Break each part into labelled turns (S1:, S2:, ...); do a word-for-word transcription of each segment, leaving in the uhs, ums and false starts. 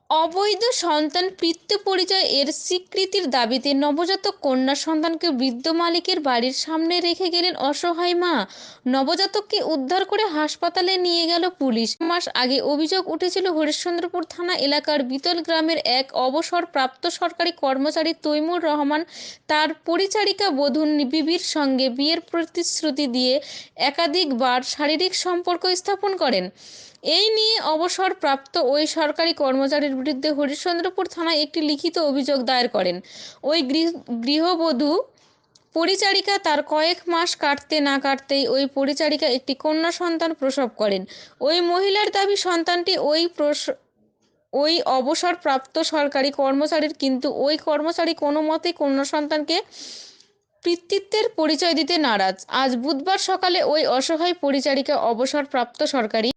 S1: অবৈধ সন্তান পিতৃ পরিচয় এর স্বীকৃতির দাবিতে নবজাতক কন্যা সন্তানকে বৃদ্ধ মালিকের বাড়ির সামনে রেখে গেলেন অসহায় মা। নবজাতককে উদ্ধার করে হাসপাতালে নিয়ে গেল পুলিশ। মাস আগে অভিযোগ উঠেছিল হরিশ্চন্দ্রপুর থানা এলাকার বিতল গ্রামের এক অবসরপ্রাপ্ত সরকারি কর্মচারী তৈমুর রহমান তার পরিচারিকা বধূ বিবির সঙ্গে বিয়ের প্রতিশ্রুতি দিয়ে একাধিকবার শারীরিক সম্পর্ক স্থাপন করেন। এই নিয়ে অবসরপ্রাপ্ত ওই সরকারি কর্মচারীর বিরুদ্ধে হরিশ্চন্দ্রপুর থানায় একটি লিখিত অভিযোগ দায়ের করেন ওই গৃহবধূ পরিচারিকা। তার কয়েক মাস কাটতে না কাটতেই ওই পরিচারিকা একটি কন্যা সন্তান প্রসব করেন। ওই মহিলার দাবি সন্তানটি ওই ওই অবসরপ্রাপ্ত সরকারি কর্মচারীর, কিন্তু ওই কর্মচারী কোনো মতেই কন্যা সন্তানকে পিতৃত্বের পরিচয় দিতে নারাজ। আজ বুধবার সকালে ওই অসহায় পরিচারিকা অবসরপ্রাপ্ত সরকারি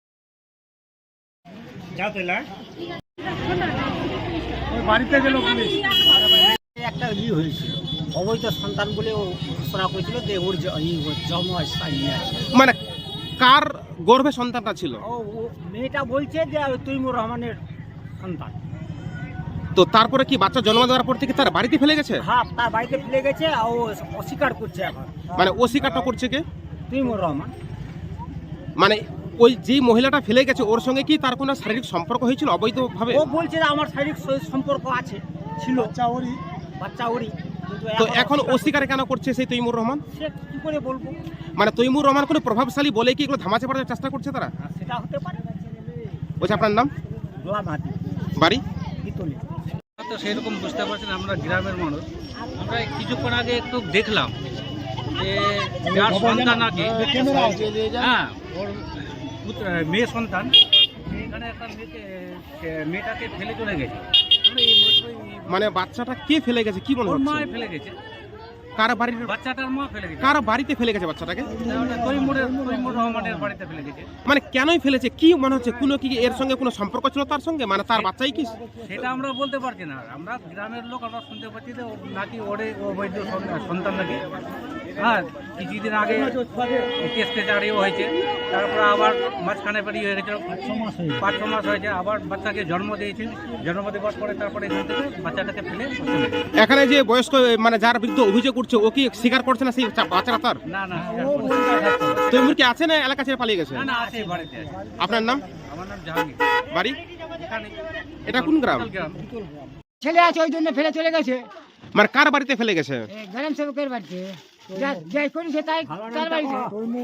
S2: বাড়িতে গেল পুলিশ, একটা ই হয়েছিল অবৈধ সন্তান বলে ও ঘোষণা করেছিল যে ওর জন্ম নিয়ে আছে।
S3: মানে কার গর্ভে সন্তানটা ছিল?
S2: ও মেয়েটা বলছে যে তৈমুর রহমানের সন্তান।
S3: তো তারপরে কি বাচ্চা জন্ম দেওয়ার পর থেকে তার বাড়িতে ফেলে গেছে?
S2: হ্যাঁ, তার বাড়িতে ফেলে গেছে। ও অস্বীকার করছে এখন।
S3: মানে অস্বীকারটা করছে কে?
S2: তৈমুর রহমান।
S3: মানে ওই যে মহিলাটা ফেলে গেছে ওর সঙ্গে কি তার কোনো শারীরিক সম্পর্ক হয়েছিল অবৈধভাবে?
S2: ও বলছে যে আমার শারীরিক সম্পর্ক আছে, ছিল বাচ্চা ওরই বাচ্চা ওরই
S3: তো এখন অস্বীকার কেন করছে সেই তৈমুর রহমান?
S2: সে কি করে বলবো?
S3: মানে তৈমুর রহমান কোনো প্রভাবশালী বলে কি এগুলো ধামাচে পড়ার চেষ্টা করছে তারা?
S2: সেটা হতে পারে।
S3: বলছে আপনার নাম?
S2: গোলাম হাতি,
S3: বাড়ি
S2: বিতলি।
S4: তো সেরকম বুঝতে পারছেন, আমরা গ্রামের মানুষ। আমরা কিছুক্ষণ আগে একটু দেখলাম যে যার সন্তান আগে, হ্যাঁ ওর পুত্র মেয়ে সন্তান, এখানে একটা মেয়েকে মেয়েটাকে ফেলে চলে গেছে। আমরা এই
S3: মানে বাচ্চাটা কে ফেলে গেছে কি মনে
S4: ওর মা
S3: হচ্ছে?
S4: ফেলে গেছে,
S3: কার বাড়ির
S4: বাচ্চাটার মা ফেলে গেছে।
S3: কার বাড়িতে ফেলে গেছে বাচ্চাটাকে?
S4: তৈমুরের তৈমুর রহমানের বাড়িতে ফেলে গেছে।
S3: মানে কেনই ফেলেছে কি মনে হচ্ছে? কোনো কি এর সঙ্গে কোনো সম্পর্ক ছিল তার সঙ্গে? মানে তার বাচ্চাই কি?
S4: সেটা আমরা বলতে পারছি না। আমরা গ্রামের লোক, আমরা শুনতে পাচ্ছি যে ও নাকি ওরে অবৈধ সন্তান নাকি। হ্যাঁ, কিছুদিন আগে টেস্টে চাকরিও হয়েছে, তারপরে আবার মাঝখানে বেরিয়ে হয়ে গেছে, পাঁচ ছ মাস হয়েছে, আবার বাচ্চাকে জন্ম দিয়েছে। জন্ম দেওয়ার পরে তারপরে এখান থেকে বাচ্চাটাকে ফেলে চলে গেছে।
S3: এখানে যে বয়স্ক মানে যার বিরুদ্ধে অভিযোগ উঠছে ও কি স্বীকার করছে না সেই বাচ্চাটা তার?
S4: না না,
S3: তৈমুর কি আছে না এলাকা ছেড়ে পালিয়ে গেছে?
S4: না না, আছে, বাড়িতে আছে।
S3: আপনার নাম?
S4: আমার নাম জাহাঙ্গীর।
S3: বাড়ি
S4: এখানে।
S3: এটা কোন গ্রাম?
S4: গ্রাম।
S2: ছেলে আছে ওই জন্য ফেলে চলে গেছে।
S3: মানে কার বাড়িতে ফেলে গেছে?
S2: গ্রাম সেবকের বাড়িতে, যাই করেছে তাই তার বাড়িতে।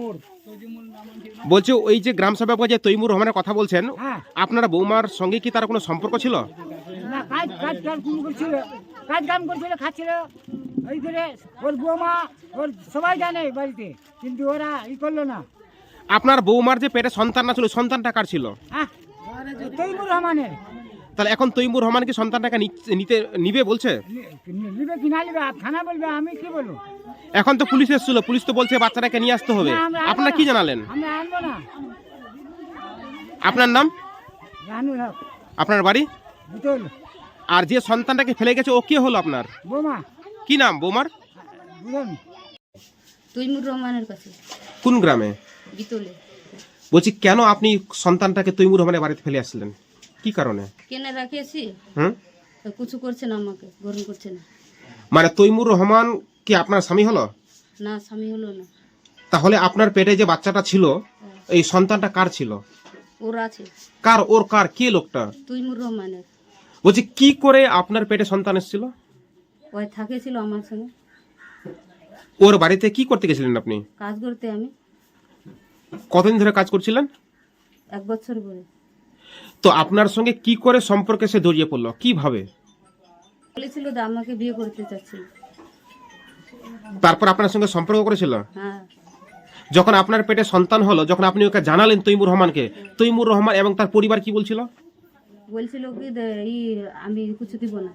S3: বলছে ওই যে গ্রাম সেবক যে তৈমুর রহমানের কথা বলছেন,
S2: হ্যাঁ।
S3: আপনার বৌমার সঙ্গে কি তার কোনো সম্পর্ক ছিল?
S2: না, কাজ কাজ কাজ করছিল, কাজ কাম করছিল, খাচ্ছিল। ওই করে ওর বৌমা ওর সবাই জানে বাড়িতে, কিন্তু ওরা ই করলো না।
S3: আপনার বৌমার যে পেটে সন্তান না ছিল, সন্তানটা কার ছিল?
S2: হ্যাঁ, তৈমুর রহমানের।
S3: তাহলে এখন তৈমুর রহমান কি সন্তানটাকে নিতে নিবে বলছে?
S2: নিবে কি না নিবে থানা বলবে, আমি কি বলবো?
S3: এখন তো পুলিশ এসেছিল, পুলিশ তো বলছে বাচ্চাটাকে নিয়ে আসতে হবে।
S2: না, আমরা আনবো
S3: আপনারা
S2: না।
S3: কি জানালেন?
S2: আমরা আনবো না।
S3: আপনার নাম?
S2: রানুর হক,
S3: আপনার বাড়ি?
S2: বিতল।
S3: আর যে সন্তানটাকে ফেলে গেছে ও কে হলো আপনার?
S2: বৌমা।
S3: কি নাম বৌমার?
S2: বুঝলেন?
S5: তৈমুর রহমানের কাছে,
S3: কোন গ্রামে?
S5: বিতলে।
S3: বলছি কেন আপনি সন্তানটাকে তৈমুর রহমানের বাড়িতে ফেলে আসলেন, কি কারণে?
S5: কেনে রাখেছি,
S3: হুম
S5: তো কিছু করছে না, আমাকে গ্রহণ করছে না।
S3: মানে তৈমুর রহমান কি আপনার স্বামী হলো?
S5: না, স্বামী হলো না।
S3: তাহলে আপনার পেটে যে বাচ্চাটা ছিল এই সন্তানটা কার ছিল?
S5: ওরা আছে,
S3: কার? ওর কার? কে লোকটা?
S5: তৈমুর রহমানের।
S3: বলছি কি করে আপনার পেটে সন্তান এসেছিল?
S5: ওই থাকেছিল আমার সঙ্গে,
S3: ওর বাড়িতে কি করতে গেছিলেন আপনি?
S5: কাজ করতে। আমি
S3: কতদিন ধরে কাজ করছিলেন?
S5: এক বছর পরে
S3: তো আপনার সঙ্গে কি করে সম্পর্কে সে জড়িয়ে পড়লো, কিভাবে?
S5: বলেছিল যে আমাকে বিয়ে করতে চাচ্ছিল।
S3: তারপর আপনার সঙ্গে সম্পর্ক করেছিল?
S5: হ্যাঁ,
S3: যখন আপনার পেটে সন্তান হলো, যখন আপনি ওকে জানালেন তৈমুর রহমানকে, তৈমুর রহমান এবং তার পরিবার কি বলছিল?
S5: বলছিল কি যে ই আমি কিছু দিব না।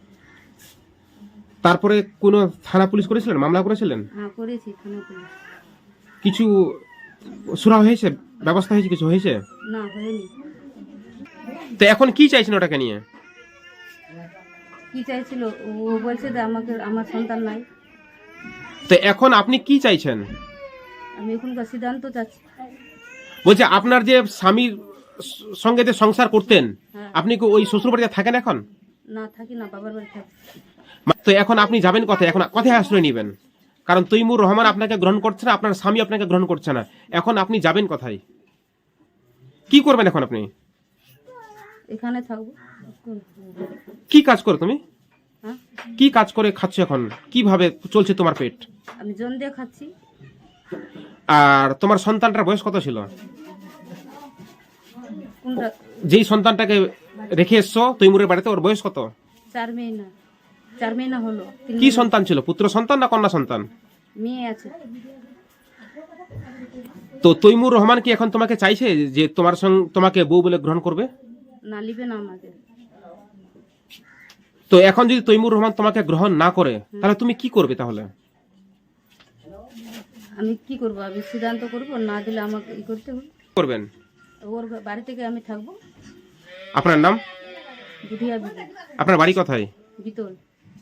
S3: তারপরে কোনো থানা পুলিশ করেছিলেন, মামলা করেছিলেন?
S5: হ্যাঁ, করেছি, থানা পুলিশ।
S3: কিছু সুরা হয়েছে, ব্যবস্থা হয়েছে, কিছু হয়েছে?
S5: না, হয়নি।
S3: তো এখন কি চাইছেন ওটাকে নিয়ে?
S5: কি চাইছিল? ও বলছে যে আমাকে, আমার সন্তান নাই।
S3: তো এখন আপনি কি চাইছেন?
S5: আমি এখনকার সিদ্ধান্ত চাচ্ছি।
S3: বলছে আপনার যে স্বামীর সঙ্গে যে সংসার করতেন, আপনি কি ওই শ্বশুর বাড়িতে থাকেন এখন?
S5: না থাকি না, বাবার বাড়ি থাকি।
S3: তো এখন আপনি যাবেন কোথায়? এখন কোথায় আশ্রয় নেবেন? কারণ তৈমুর রহমান আপনাকে গ্রহণ করছে না, আপনার স্বামী আপনাকে গ্রহণ করছে না, এখন আপনি যাবেন কোথায়? কি করবেন এখন আপনি?
S5: এখানে থাকবো।
S3: কি কাজ করো তুমি?
S5: হ্যাঁ,
S3: কি কাজ করে খাচ্ছ এখন? কিভাবে চলছে তোমার পেট?
S5: আমি জন দিয়ে খাচ্ছি।
S3: আর তোমার সন্তানটার বয়স কত ছিল?
S5: কোনটা?
S3: যেই সন্তানটাকে রেখে এসছো তৈমুরের বাড়িতে, ওর বয়স কত?
S5: চার মহিনা চার মহিনা হলো। তিন
S3: কি
S5: মহিনা-
S3: সন্তান ছিল? পুত্র সন্তান না কন্যা সন্তান?
S5: মেয়ে আছে।
S3: তো তৈমুর রহমান কি এখন তোমাকে চাইছে যে তোমার সঙ্গে তোমাকে বউ বলে গ্রহণ করবে?
S5: না, লিবে না আমাকে।
S3: তো এখন যদি তৈমুর রহমান তোমাকে গ্রহণ না করে তাহলে তুমি কি করবে তাহলে?
S5: আমি কি করবো? আমি সিদ্ধান্ত করবো, না দিলে আমাকে ই করতে হবে।
S3: করবেন?
S5: ওর বাড়ি থেকে আমি থাকবো।
S3: আপনার নাম?
S5: বুধিয়া বিবি
S3: আপনার বাড়ি কোথায়?
S5: বিতল।